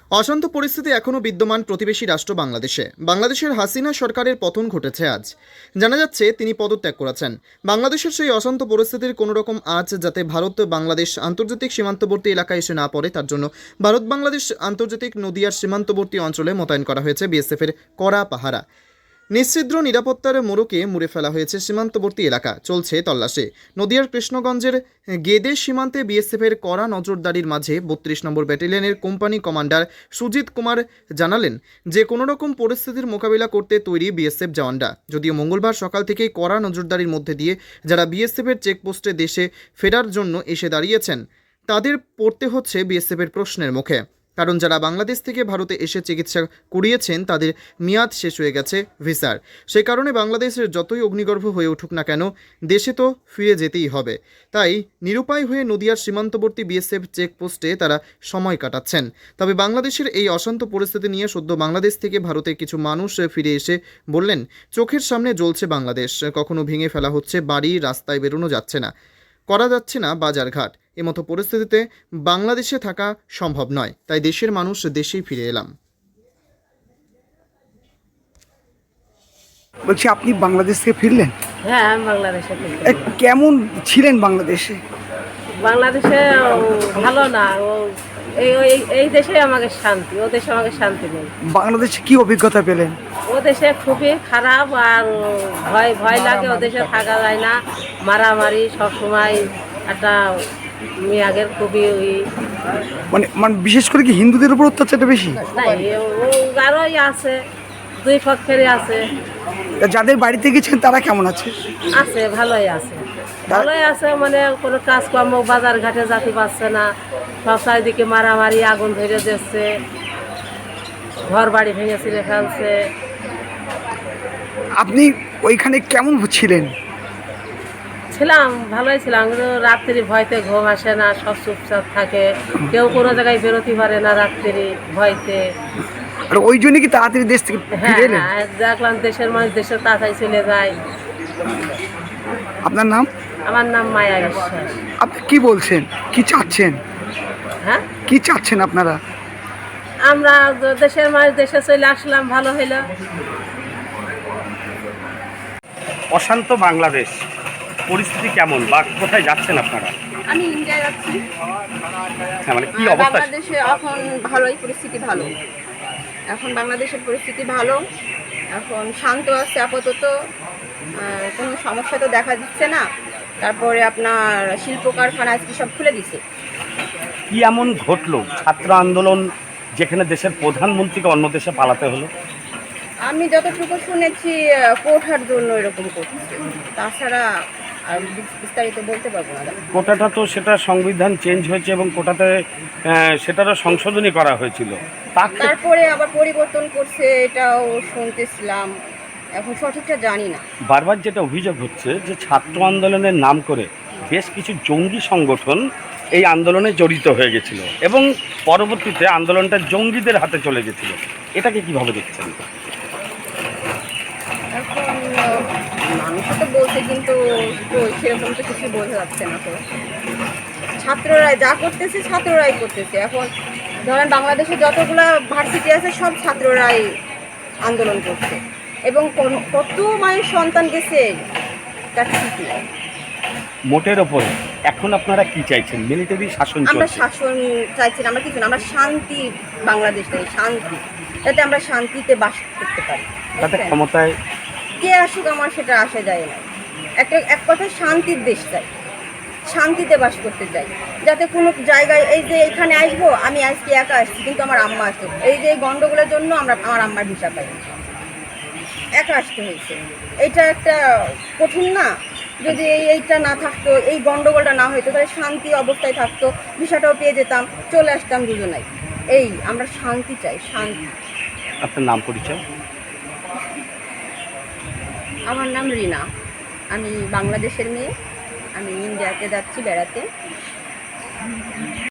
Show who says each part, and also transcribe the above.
Speaker 1: অশান্ত পরিস্থিতি এখনও বিদ্যমান প্রতিবেশী রাষ্ট্র বাংলাদেশে। বাংলাদেশের হাসিনা সরকারের পতন ঘটেছে আজ। জানা যাচ্ছে তিনি পদত্যাগ করেছেন। বাংলাদেশের সেই অশান্ত পরিস্থিতির কোনো রকম আজ যাতে ভারত বাংলাদেশ আন্তর্জাতিক সীমান্তবর্তী এলাকায় এসে না পড়ে, তার জন্য ভারত বাংলাদেশ আন্তর্জাতিক নদিয়ার সীমান্তবর্তী অঞ্চলে মোতায়েন করা হয়েছে বিএসএফের কড়া পাহারা। নিশ্ছিদ্র নিরাপত্তার মোড়কে মুড়ে ফেলা হয়েছে সীমান্তবর্তী এলাকা, চলছে তল্লাশি। নদিয়ার কৃষ্ণগঞ্জের গেদে সীমান্তে বিএসএফের কড়া নজরদারির মাঝে ৩২ নম্বর ব্যাটালিয়নের কোম্পানি কমান্ডার সুজিত কুমার জানালেন যে কোনো রকম পরিস্থিতির মোকাবিলা করতে তৈরি বিএসএফ জওয়ানরা। যদিও মঙ্গলবার সকাল থেকেই কড়া নজরদারির মধ্যে দিয়ে যারা বিএসএফের চেকপোস্টে দেশে ফেরার জন্য এসে দাঁড়িয়েছেন তাদের পড়তে হচ্ছে বিএসএফের প্রশ্নের মুখে। কারণ যারা বাংলাদেশ থেকে ভারতে এসে চিকিৎসা করিয়েছেন তাদের মেয়াদ শেষ হয়ে গেছে ভিসার। সেই কারণে বাংলাদেশের যতই অগ্নিগর্ভ হয়ে উঠুক না কেন, দেশে তো ফিরে যেতেই হবে। তাই নিরুপায় হয়ে নদিয়ার সীমান্তবর্তী বিএসএফ চেকপোস্টে তারা সময় কাটাচ্ছেন। তবে বাংলাদেশের এই অশান্ত পরিস্থিতি নিয়ে সদ্য বাংলাদেশ থেকে ভারতে কিছু মানুষ ফিরে এসে বললেন, চোখের সামনে জ্বলছে বাংলাদেশ, কখনো ভেঙে ফেলা হচ্ছে বাড়ি, রাস্তায় বেরোনো যাচ্ছে না, করা যাচ্ছে না বাজারঘাট। এমতো পরিস্থিতিতে বাংলাদেশে থাকা সম্ভব নয়, তাই দেশের মানুষ দেশেই ফিরে এলাম।
Speaker 2: বলছি, আপনি বাংলাদেশ থেকে ফিরলেন?
Speaker 3: হ্যাঁ, আমি বাংলাদেশে থাকি।
Speaker 2: কেমন ছিলেন বাংলাদেশে?
Speaker 3: বাংলাদেশে ভালো না, এই দেশে আমাকে শান্তি, ও দেশে আমাকে শান্তি নেই।
Speaker 2: বাংলাদেশে কি অভিজ্ঞতা পেলেন?
Speaker 3: ও দেশে খুবই খারাপ, আর ভয় ভয় লাগে, ও দেশে থাকা যায় না, মারামারি সবসময়, একটা মেয়াগের খুবই
Speaker 2: মানে বিশেষ করে কি হিন্দুদের উপর অত্যাচারটা বেশি?
Speaker 3: নাই, ও আরোই আছে, দুই পক্ষেরই আছে।
Speaker 2: যাদের বাড়িতে গেছেন তারা কেমন আছে?
Speaker 3: আছে, ভালোই আছে, ভালোই আছে। মানে কোনো কাজকর্ম বাজার ঘাটে যেতে পারছে না, সব চারিদিকে মারামারি, আগুন ধরে দিচ্ছে, ঘর বাড়ি ভেঙে ছিঁড়ে ফেলছে।
Speaker 2: আপনি ওইখানে কেমন ছিলেন?
Speaker 3: ছিলাম, ভালোই ছিলাম, কিন্তু রাত্রি ভয়তে ঘুম আসে না, সব চুপচাপ থাকে, কেউ কোনো জায়গায় বেরোতে পারে না রাত্রি ভয়তে।
Speaker 2: আর ওই জন্য কি তাড়াতাড়ি দেশ থেকে
Speaker 3: হ্যাঁ
Speaker 2: ফিরে এলেন?
Speaker 3: হ্যাঁ, দেখলাম দেশের মানুষ দেশের তাড়াতাড়ি চলে যায়।
Speaker 2: আপনার নাম?
Speaker 3: আমার নাম মায়া বিশ্বাস।
Speaker 2: আপনি কি বলছেন, কি চাচ্ছেন?
Speaker 3: হ্যাঁ,
Speaker 2: কি চাচ্ছেন আপনারা?
Speaker 3: আমরা দেশের মানুষ দেশে চলে আসলাম, ভালো হইলো।
Speaker 4: অশান্ত বাংলাদেশ পরিস্থিতি কেমন বা কোথায় যাচ্ছেন আপনারা?
Speaker 5: আমি ইন্ডিয়ায় যাচ্ছি।
Speaker 4: হ্যাঁ, মানে কি অবস্থা?
Speaker 5: বাংলাদেশে এখন ভালোই পরিস্থিতি ভালো, এখন বাংলাদেশের পরিস্থিতি ভালো, এখন শান্ত আছে আপাতত, কোনো সমস্যা তো দেখা দিচ্ছে না। তারপরে আপনার শিল্প কারখানা আজকে সব খুলে দিছে।
Speaker 4: কি এমন ঘটলো ছাত্র আন্দোলন যেখানে দেশের প্রধানমন্ত্রীকে অন্য দেশে পালাতে হলো?
Speaker 5: আমি যতটুকু শুনেছি কোঠার জন্য এরকম করছে, তাছাড়া আর বিস্তারিত বলতে পারবো না।
Speaker 4: কোটাটা তো সেটা সংবিধান চেঞ্জ হয়েছে এবং কোটাতে সেটারও সংশোধনী করা হয়েছিল,
Speaker 5: তারপরে আবার পরিবর্তন করছে, এটাও শুনতেছিলাম, এখন সঠিকটা জানি না।
Speaker 4: বারবার যেটা অভিযোগ হচ্ছে যে ছাত্র আন্দোলনের নাম করে বেশ কিছু জঙ্গি সংগঠন এই আন্দোলনে জড়িত হয়ে গেছিল এবং পরবর্তীতে আন্দোলনটা জঙ্গিদের হাতে চলে গেছিল। এটাকে কিভাবে দেখছেন?
Speaker 5: এখন মানুষ তো বলছে, কিন্তু তো সেরকম তো কিছু বোঝা যাচ্ছে না। তো ছাত্ররাই যা করতেছে, ছাত্ররাই করতেছে। এখন ধরেন বাংলাদেশে যতগুলো ভার্সিটি আছে সব ছাত্ররাই আন্দোলন করছে, এবং কত মায়ের সন্তান গেছে তার ঠিক নেই।
Speaker 4: মোটের ওপরে এখন আপনারা কি চাইছেন? মিলিটারি শাসন
Speaker 5: আমরা
Speaker 4: চলছে।
Speaker 5: শাসন চাইছি না, আমরা কিছু না, আমরা শান্তি, বাংলাদেশ চাই শান্তি, যাতে আমরা শান্তিতে বাস করতে পারি।
Speaker 4: তাতে ক্ষমতায়
Speaker 5: কে আসুক আমার সেটা আসা যায় না। এক কথায় শান্তির দেশ চাই, শান্তিতে বাস করতে চাই, যাতে কোনো জায়গায় এই যে এখানে আসবো, আমি আজকে একা আসছি কিন্তু আমার আম্মা আসতো, এই যে গন্ডগোলের জন্য আমার আম্মার ভিসা পাই, একা আসতে হয়েছে। এইটা একটা কঠিন না? যদি এইটা না থাকতো, এই গন্ডগোলটা না হইতো, তাহলে শান্তি অবস্থায় থাকতো, ভিসাটাও পেয়ে যেতাম, চলে আসতাম দুজনাই। এই আমরা শান্তি চাই, শান্তি।
Speaker 4: আপনার নাম পরিচয়?
Speaker 5: আমার নাম রিনা, আমি বাংলাদেশের মেয়ে, আমি ইন্ডিয়াতে যাচ্ছি বেড়াতে।